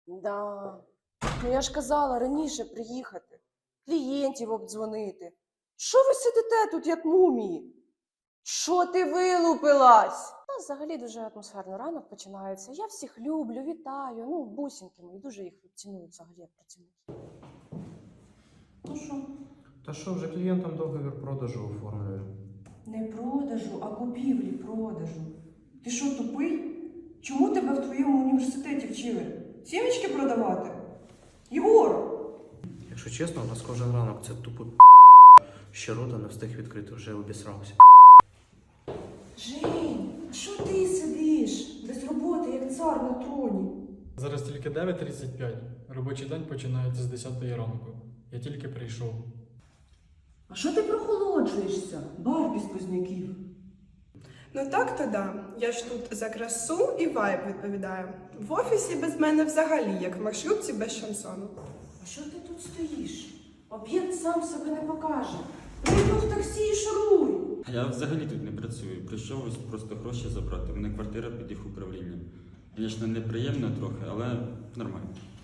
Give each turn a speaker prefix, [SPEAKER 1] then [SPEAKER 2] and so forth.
[SPEAKER 1] Да. Ну я ж казала раніше приїхати, клієнтів обдзвонити. Що ви сидите тут, як мумії? Що ти вилупилась? У нас взагалі дуже атмосферно ранок починається. Я всіх люблю, вітаю. Ну, бусинки мої, дуже їх ціную взагалі як працівників. Ну що?
[SPEAKER 2] Та що, вже клієнтам договір продажу оформлюю.
[SPEAKER 3] Не продажу, а купівлі-продажу. Ти що, тупий? Чому тебе в твоєму університеті вчили? Сімечки продавати? Єгор!
[SPEAKER 2] Якщо чесно, у нас кожен ранок це тупо ще рота не встиг відкрити, вже обісрався.
[SPEAKER 3] Жень, а що ти сидиш? Без роботи, як цар на троні.
[SPEAKER 4] Зараз тільки 9:35. Робочий день починається з 10 ранку. Я тільки прийшов.
[SPEAKER 3] А що ти прохолоджуєшся? Бар без позняків.
[SPEAKER 5] Ну так-то да. Я ж тут за красу і вайб відповідаю. В офісі без мене взагалі, як в маршрутці без шансону.
[SPEAKER 3] А що ти тут стоїш? Об'єкт сам себе не покаже. Прийду в таксі і шуруй.
[SPEAKER 6] Я взагалі тут не працюю. Прийшов ось просто гроші забрати. У мене квартира під їх управлінням. Звісно, неприємно трохи, але нормально.